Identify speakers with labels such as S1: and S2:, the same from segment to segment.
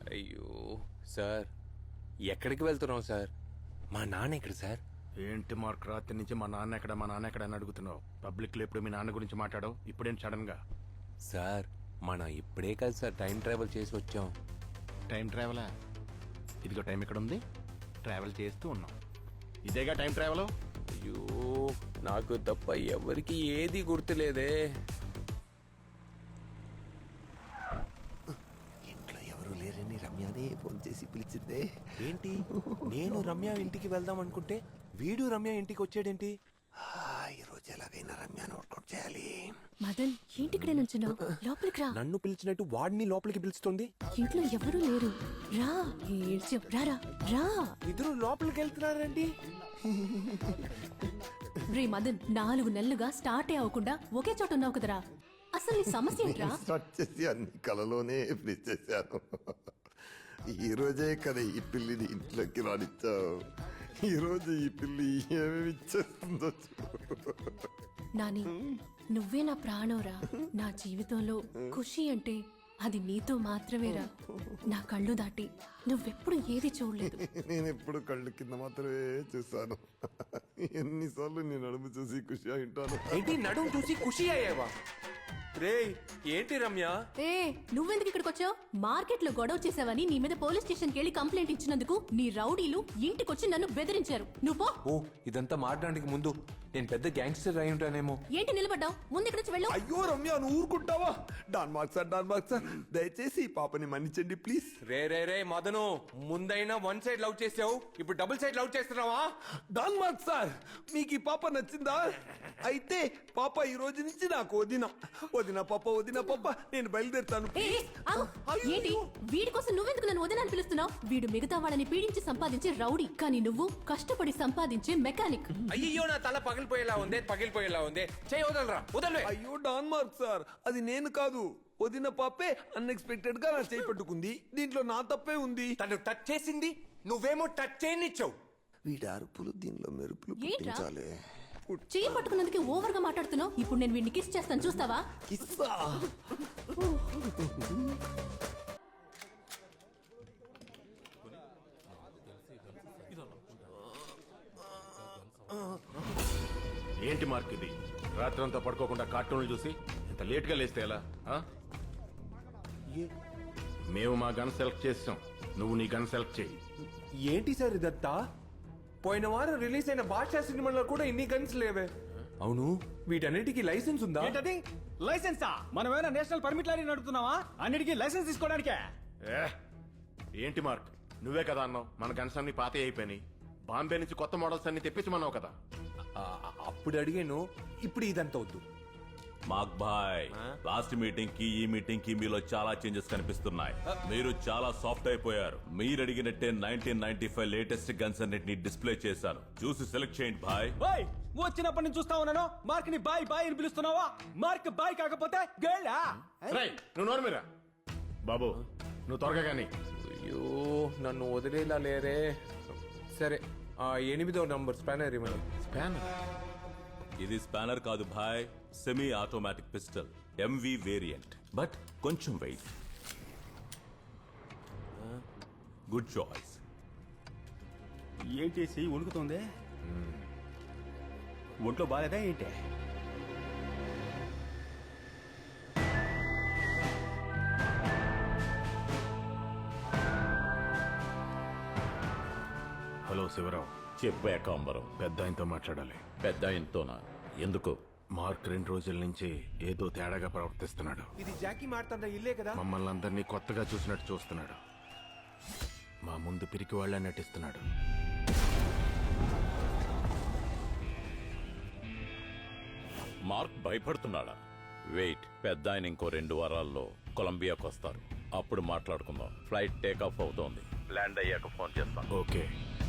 S1: అయ్యో సార్, ఎక్కడికి వెళ్తున్నావు సార్? మా నాన్న ఎక్కడ సార్?
S2: ఏంటి మార్క్, రాత్రి నుంచి మా నాన్న ఎక్కడ అని అడుగుతున్నావు? పబ్లిక్ లో ఎప్పుడు మీ నాన్న గురించి మాట్లాడవు, ఇప్పుడేంటి సడన్ గా?
S1: సార్ మనం ఇప్పుడే కాదు సార్ టైం ట్రావెల్ చేసి వచ్చాం.
S2: టైం ట్రావెలా? ఇదిగో టైం ఎక్కడ ఉంది, ట్రావెల్ చేస్తూ ఉన్నాం. ఇదేగా టైం ట్రావెల్.
S1: అయ్యో నాకు తప్ప ఎవరికి ఏది గుర్తులేదే.
S3: ఇంట్లో ఎవరు లేరని రమ్యనే ఫోన్ చేసి పిలిచిందే.
S1: ఏంటి, నేను రమ్య ఇంటికి వెళ్దాం అనుకుంటే వీడు రమ్య ఇంటికి వచ్చాడేంటి?
S3: ఈ రోజు ఎలాగైనా రమ్యను వర్కౌట్ చేయాలి.
S4: మదన్ ఏంటి ఇక్కడే నుంచున్నావు? లోపలికి రా.
S1: నన్ను పిలిచినట్టు వాడిని లోపలికి పిలుస్తుంది.
S4: ఇంట్లో ఎవరూ లేరు. రా రారా రా.
S1: ఇద్దరు లోపలికి వెళ్తున్నారండి.
S4: రే మదన్, 4 నెలలుగా స్టార్ట్ అవ్వకుండా ఒకే చోట ఉన్నావు కదరా. అసలు నీ సమస్య ఏంట్రా?
S3: స్టార్ట్ చేసి అన్ని కలలోనే ఫినిష్ చేశాను. ఈ రోజే కదా ఈ పిల్లిని ఇంట్లోకి రానిచ్చావు. ఈ రోజు ఈ పిల్లి ఏమేమి ఇచ్చేస్తుందో.
S4: నాని, నువ్వే నా ప్రాణంరా. నా జీవితంలో ఖుషి అంటే అది నీతో మాత్రమేరా. నా కళ్ళు దాటి నువ్వెప్పుడు ఏది చూడలేదు.
S3: నేను ఎప్పుడు కళ్ళు కింద మాత్రమే చూసాను. ఎన్నిసార్లు నేను నడుము చూసి ఖుషి అయింటాను.
S1: ఏంటి నడుము చూసి ఖుషి అయ్యావా? రే ఏంటి రమ్య?
S4: ఏ నువ్వెందుకు ఇక్కడికి వచ్చావు? మార్కెట్ లో గొడవ చేసావని నీ మీద పోలీస్ స్టేషన్ కి వెళ్ళి కంప్లైంట్ ఇచ్చినందుకు నీ రౌడీలు ఇంటికొచ్చి నన్ను బెదిరించారు. నువ్వు పో.
S1: ఓ ఇదంతా మాట్లాడడానికి ముందు నేను పెద్ద గ్యాంగ్స్టర్ అయి ఉంటానేమో.
S4: ఏంటి నిలబడ్డావు? ముందు ఇక్కడ నుంచి వెళ్ళు.
S3: అయ్యో రమ్య, నువ్వు ఊరుకుంటావా? డాన్ మార్క్ సార్ దయచేసి ఈ పాపని మన్నించండి ప్లీజ్.
S1: రే మదను, ముందైనా 1 సైడ్ లవ్ చేసావు, ఇప్పుడు డబుల్ సైడ్ లవ్ చేస్తున్నావా?
S3: డాన్ మార్క్ సార్, మీకు ఈ పాప నచ్చిందా? అయితే పాప ఈ రోజు నుంచి నాకు వదిన పాప నేను బయలుదేరుతాను.
S4: ఏ, ఏ, ఆగు. ఏంటి వీడి కోసం నువ్వెందుకు నన్ను వదినని పిలుస్తున్నావు? వీడు మిగతా వాళ్ళని పీడించి సంపాదించే రౌడీ, కానీ నువ్వు కష్టపడి సంపాదించే మెకానిక్.
S1: అయ్యో నా తల పగిలిపోయేలా ఉంది. చేయి వదలరా, వదలవే.
S3: అయ్యో డాన్ మార్క్ సార్, అది నేను కాదు, వదిన పాపే అన్ఎక్స్పెక్టెడ్ గా నా చేయి పట్టుకుంది. దీంట్లో నా తప్పే ఉంది.
S1: తను టచ్ చేసింది, నువ్వేమో టచ్ చేయనిచ్చావు.
S3: వీడి అరుపులు దీనిలో మెరుపులు
S4: ఏంట్రా?
S3: పుట్టించాలి.
S4: చేయి పట్టుకున్నందుకు ఓవర్ గా మాట్లాడుతున్నావు. ఇప్పుడు నేను వీడిని కిస్ చేస్తాను, చూస్తావా?
S3: కిస్సా?
S2: ఏంటి మార్క్ ఇది? రాత్రంతా పడుకోకుండా కార్టూన్లు చూసి ఇంత లేట్ గా లేస్తే ఎలా? మేము మా గన్ సెలెక్ట్ చేసాం, నువ్వు నీ గన్ సెలెక్ట్ చేయి.
S1: ఏంటి సార్ ఇదంతా? పోయిన వారం రిలీజ్ అయిన బాద్షా సినిమాలో కూడా ఇన్ని గన్స్ లేవే. అవును, వీటన్నిటికీ లైసెన్స్ ఉందా?
S5: ఏంటది లైసెన్సా? మనమేమైనా నేషనల్ పర్మిట్ లారీ నడుపుతున్నావా? అన్నిటికీ లైసెన్స్ తీసుకోవడానికే.
S2: ఏంటి మార్క్, నువ్వే కదా అన్నావు మన గన్స్ అన్ని పాత అయిపోయినాయి, బాంబే నుంచి కొత్త మోడల్స్ అన్ని తెప్పించమన్నావు కదా.
S1: అప్పుడు అడిగాను, ఇప్పుడు ఇదంతా వద్దు.
S6: మాక్ భాయ్, లాస్ట్ మీటింగ్ కి ఈ మీటింగ్ కి మీలో చాలా చేంజెస్ కనిపిస్తున్నాయి. మీరు చాలా సాఫ్ట్ అయిపోయారు. మీరు అడిగినట్టే 1995 లేటెస్ట్ గన్స్ అన్నిటిని డిస్ప్లే చేశాను, చూసి సెలెక్ట్ చేయండి భాయ్.
S5: ఓయ్, వచ్చినప్పటి నుంచి చూస్తా ఉన్నాను, మార్క్ ని బాయ్ బాయ్ అని పిలుస్తున్నావా? మార్క్ బాయ్ కాకపోతే గర్లా?
S2: రేయ్, నువ్వు నోరు మీరా బాబు, నువ్వు త్వరగా కానీ.
S1: అయ్యో నన్ను వదిలేలా లేరే. సరే, 8వ నంబర్ స్పానర్ ఇవ్వండి.
S2: స్పానర్?
S6: ఇది స్పానర్ కాదు భాయ్, semi automatic pistol, MV variant, but కొంచెం వెయిట్. Good choice.
S5: ఏంటి చెయ్యి వణుకుతుంది? ఒంట్లో బాలేదా ఏంటి?
S2: హలో శివరావు.
S6: చెప్పే కాంబరం.
S2: పెద్ద ఆయనతో మాట్లాడాలి.
S6: పెద్ద ఆయనతోనా? ఎందుకు?
S2: మార్క్ 2 రోజుల నుంచి ఏదో తేడాగా ప్రవర్తిస్తున్నాడు.
S1: ఇది జాకీ మాట్లాడుతున్న ఇల్లే కదా?
S2: మమ్మల్ని అందరినీ కొత్తగా చూసినట్టు చూస్తున్నాడు. మా ముందు పిరికి వాళ్ళ నటిస్తున్నాడు.
S6: మార్క్ భయపడుతున్నాడా? వెయిట్, పెద్ద ఆయన ఇంకో 2 వారాల్లో కొలంబియాకు వస్తారు, అప్పుడు మాట్లాడుకుందాం. ఫ్లైట్ టేక్ ఆఫ్ అవుతోంది, ల్యాండ్ అయ్యాక ఫోన్ చేస్తాను.
S2: ఓకే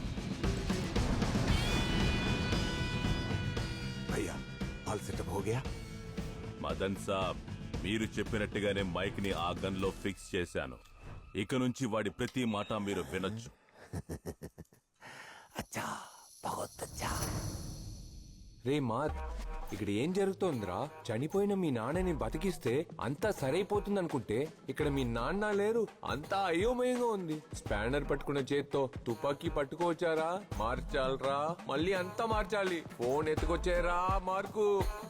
S3: భయ్యా, ఆల్ సెటప్ హో గయా?
S6: మదన్ సాబ్, మీరు చెప్పినట్టుగానే మైక్ ని ఆ గన్ లో ఫిక్స్ చేశాను. ఇక నుంచి వాడి ప్రతి మాట మీరు వినొచ్చు.
S3: 'अच्छा, बहुत अच्छा.
S1: రే మార్క్, ఇక్కడ ఏం జరుగుతోందిరా? చనిపోయిన మీ నాన్నని బతికిస్తే అంతా సరైపోతుంది అనుకుంటే ఇక్కడ మీ నాన్న లేరు, అంతా అయోమయంగా ఉంది. స్పానర్ పట్టుకున్న చేత్తో తుపాకీ పట్టుకోవచ్చారా? మార్చాలరా, మళ్ళీ అంతా మార్చాలి. Phone ఎత్తుకొచ్చారా mark?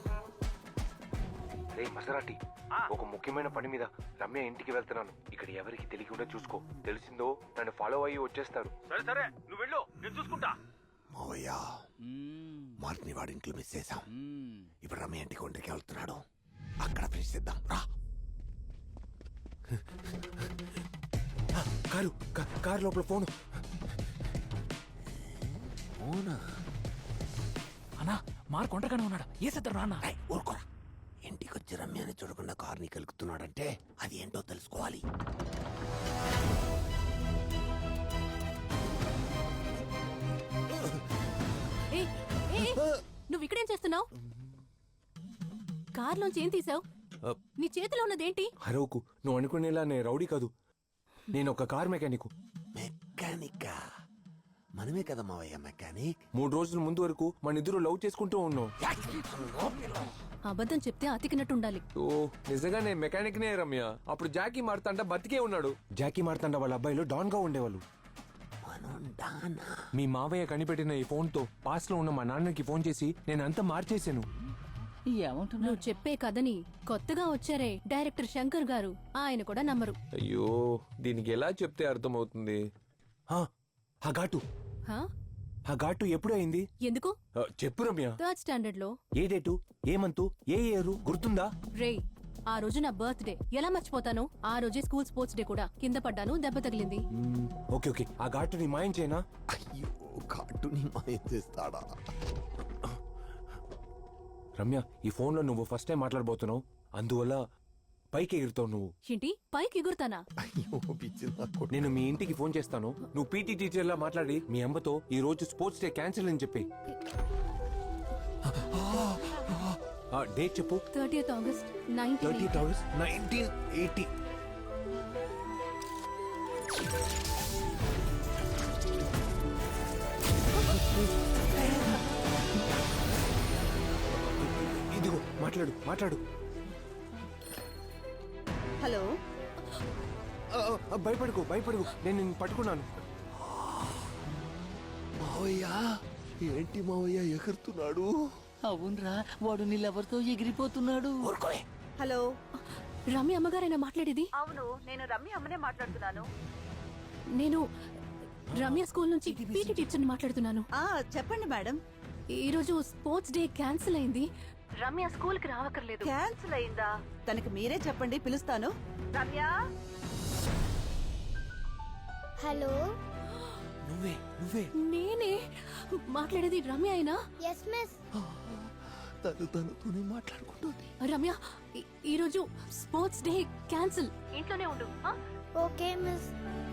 S1: రే మసరాటి, ఒక ముఖ్యమైన పని మీద రమ్య ఇంటికి వెళ్తున్నాను. ఇక్కడ ఎవరికి తెలియకుండా చూసుకో. తెలిసిందో నన్ను ఫాలో అయ్యి వచ్చేస్తారు.
S5: సరే సరే, నువ్వు వెళ్ళు, నేను చూసుకుంటా.
S3: మావయ్య మార్క్ని వాడి ఇంట్లో మిస్ చేశాం. ఇప్పుడు రమ్య ఇంటికి ఒంటికి వెళ్తున్నాడు. అక్కడ ఫినిష్ చేద్దాం రా.
S1: కారు లోపల ఫోను.
S7: అన్నా మార్క్ ఒంటరిగానే ఉన్నాడు. ఏ సత్రం రాన్నా?
S3: ఊరుకోరా. ఇంటికి వచ్చి రమ్యని చూడకుండా కార్ని కలుగుతున్నాడంటే అది ఏంటో తెలుసుకోవాలి.
S4: ఏయ్, ఏయ్, నువ్వు ఇక్కడేం చేస్తున్నావు? కార్లోంచి ఏం తీసావు? నీ చేతిలో ఉన్నదేంటి?
S1: హరోకు, నువ్వు అనుకునేలా నేను రౌడీ కాదు. నేను ఒక కార్ మెకానిక్.
S3: మెకానిక్ మనమే కదా మావయ్య మెకానిక్.
S1: 3 రోజుల ముందు వరకు మన ఇద్దరు లవ్ చేసుకుంటూ ఉన్నాం.
S4: అబద్ధం చెప్తే అతికినట్టు ఉండాలి.
S1: ఓ నిజంగా నేను మెకానిక్ నే రమ్య. అప్పుడు జాకీ మార్తాండ బతికే ఉన్నాడు. జాకీ మార్తాండ వాళ్ళ అబ్బాయిలు డాన్ గా ఉండేవాళ్ళు. మీ మావయ్య కనిపెట్టిన ఈ ఫోన్ తో పాస్ లో ఉన్న మా నాన్నకి ఫోన్ చేసి నేను అంతా మార్చేశాను.
S7: ఏమంటున్నావు?
S4: నువ్వు చెప్పే కథని కొత్తగా వచ్చారే డైరెక్టర్ శంకర్ గారు, ఆయన కూడా నమ్మరు.
S1: అయ్యో, దీనికి ఎలా చెప్తే అర్థమవుతుంది? ఆ ఘాటు,
S4: హా?
S1: ఆ ఘాటు ఎప్పుడు అయింది?
S4: ఎందుకు?
S1: చెప్పు రమ్య.
S4: 3rd స్టాండర్డ్ లో.
S1: ఏ డేటు, ఏ మంతు, ఏ ఇయర్ గుర్తుందా?
S4: రే, ఆ రోజు నా బర్త్డే, ఎలా మర్చిపోతాను? ఆ రోజే స్కూల్ స్పోర్ట్స్ డే కూడా. కింద పడ్డాను, దెబ్బ తగిలింది.
S1: ఓకే ఓకే, ఆ ఘాటుని మాయం చేయనా?
S3: అయ్యో కార్డుని మాయం చేస్తాడా?
S1: రమ్య, ఈ ఫోన్ లో నువ్వు ఫస్ట్ టైం మాట్లాడబోతున్నావు, అందువల్ల పైకి ఎగురుతావు నువ్వు.
S4: ఏంటి పైకి ఎగురుతానా?
S3: అయ్యో పిచ్చి నాకు.
S1: నేను మీ ఇంటికి ఫోన్ చేస్తాను. నువ్వు పీటీ టీచర్ లా మాట్లాడి మీ అమ్మతో ఈ రోజు స్పోర్ట్స్ డే క్యాన్సిల్ అని చెప్పి. డేట్ చెప్పు.
S4: 30th August
S1: 30th August 1980. ఇదిగో మాట్లాడు మాట్లాడు.
S8: హలో,
S1: భయపడుకో భయపడుకో, నేను నిన్ను పట్టుకున్నాను.
S3: మావయ్య ఏంటి మావయ్య ఎగురుతున్నాడు?
S7: అవునరా, వాడు నీళ్ళెవరితో ఎగిరిపోతున్నాడు.
S3: ఊరుకోలే.
S8: హలో.
S4: రమ్య అమ్మగారైనా మాట్లాడేది?
S8: అవును, నేను రమ్య అమ్మనే మాట్లాడుతున్నాను.
S4: నేను రమ్య స్కూల్ నుంచి పీటీ టీచర్ని మాట్లాడుతున్నాను.
S8: చెప్పండి మేడం.
S4: ఈ రోజు స్పోర్ట్స్ డే క్యాన్సిల్ అయింది. రమ్య స్కూల్ కి రావక్కర్లేదు.
S8: క్యాన్సిల్ అయిందా? తనకి మీరే చెప్పండి, పిలుస్తాను. రమ్య.
S9: హలో,
S3: నువ్వే నువ్వే.
S4: నేనే మాట్లాడేది. రమ్య అయినా?
S9: Yes miss.
S3: తనతోనే మాట్లాడుకుంటుంది.
S4: రమ్య, ఈ రోజు స్పోర్ట్స్ డే క్యాన్సిల్. ఇంట్లోనే ఉండు.
S9: Okay miss.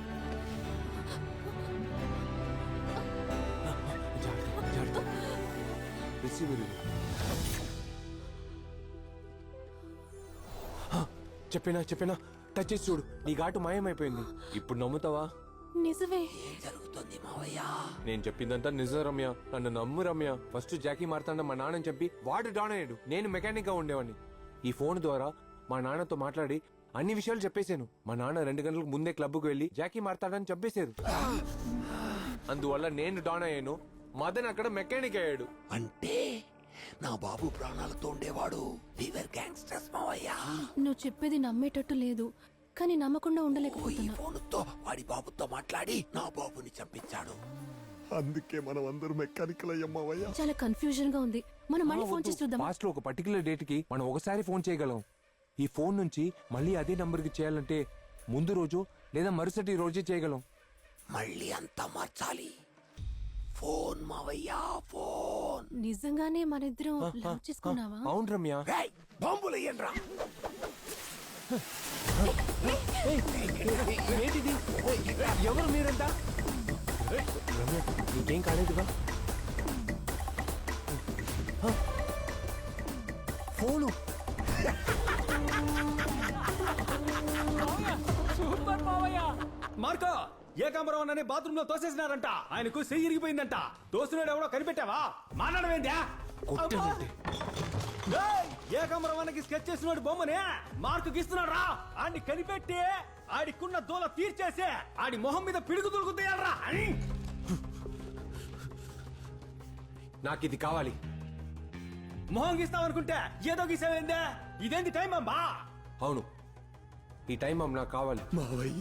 S1: చెప్పినా చెప్పినా టచ్ చేసి చూడు, నీ ఘాటు మాయమైపోయింది. ఇప్పుడు నమ్ముతావా?
S4: నిజమే.
S3: జరుగుతుంది మావయ్య.
S1: నేను చెప్పిందంతా నిజం రమ్య, నన్ను నమ్ము రమ్య. ఫస్ట్ జాకీ మారుతాండ మా నాన్నని చెప్పి వాడు డాన్ అయ్యాడు, నేను మెకానిక్ గా ఉండేవాడిని. ఈ ఫోన్ ద్వారా మా నాన్నతో మాట్లాడి అన్ని విషయాలు చెప్పేశాను. మా నాన్న 2 గంటలకు ముందే క్లబ్కు వెళ్లి జాకీ మారుతాడని చంపేశారు. అందువల్ల నేను డాన్ అయ్యాను, మదన్ అక్కడ మెకానిక్ అయ్యాడు.
S3: అంటే నా బాబు ప్రాణాలతో ఉండేవాడు. ఫీవర్ గ్యాంగ్స్టర్స్ మావయ్య.
S4: నువ్వు చెప్పేది నమ్మేటట్టు లేదు, కానీ నమ్మకుండా
S3: ఈ
S4: ఉండలేకపోతున్నా.
S3: ఫోన్తో వాడి బాబుతో మాట్లాడి నా బాబుని చంపించాడు. అందుకే మనం అందరూ మెకానికల్ అయ్యాం మావయ్య.
S4: చాలా కన్ఫ్యూజన్ గా ఉంది. మనం మళ్ళీ ఫోన్ చేసి చూద్దాం.
S1: పాస్ట్ లో ఒక పర్టికులర్ డేట్ కి మనం ఒకసారి ఫోన్ చేయగలం. ఈ ఫోన్ నుంచి మళ్ళీ అదే నంబర్ కి చేయాలంటే ముందు రోజు లేదా మరుసటి రోజే చేయగలం.
S3: మళ్ళీ అంతా మార్చాలి. ఫోన్ మావయ్య, ఫోన్.
S4: నిజంగానే మన ఇద్దరం లవ్ చేసుకున్నావా?
S1: అవును రమ్య.
S3: రేయ్, బాంబులు ఎయ్యండ్రా.
S1: ఏంటిది? ఎవరు మీరంతా? రమ్య, నీకేం కాలేదుగా? ఫోను.
S5: సూపర్ మావయ్య. మార్కో, ఏకాంబరం అనే బాత్రూమ్ లో తోసేసినారంట. ఆయనకు చెయ్యి ఇరిగిపోయిందంట. తోసినాడు ఎవడో కనిపెట్టావా? మాట్లాడమేందా?
S1: కొట్టానంటే
S5: ఏయ్, ఏకమరవన్నకి స్కెచ్ చేసినోడు బొమ్మనే మార్కు గీస్తున్నాడు రా. ఆడిని కనిపెట్టి ఆడికున్న దూల తీర్చేసి ఆడి మొహం మీద పిడుగు దొరుకుతాయరా.
S1: నాకు ఇది కావాలి.
S5: మొహం గీస్తావనుకుంటే ఏదో గీసావేందే? ఇదేంటి టైం అమ్మా?
S1: అవును, ఈ టైం నాకు కావాలి.
S3: మావయ్య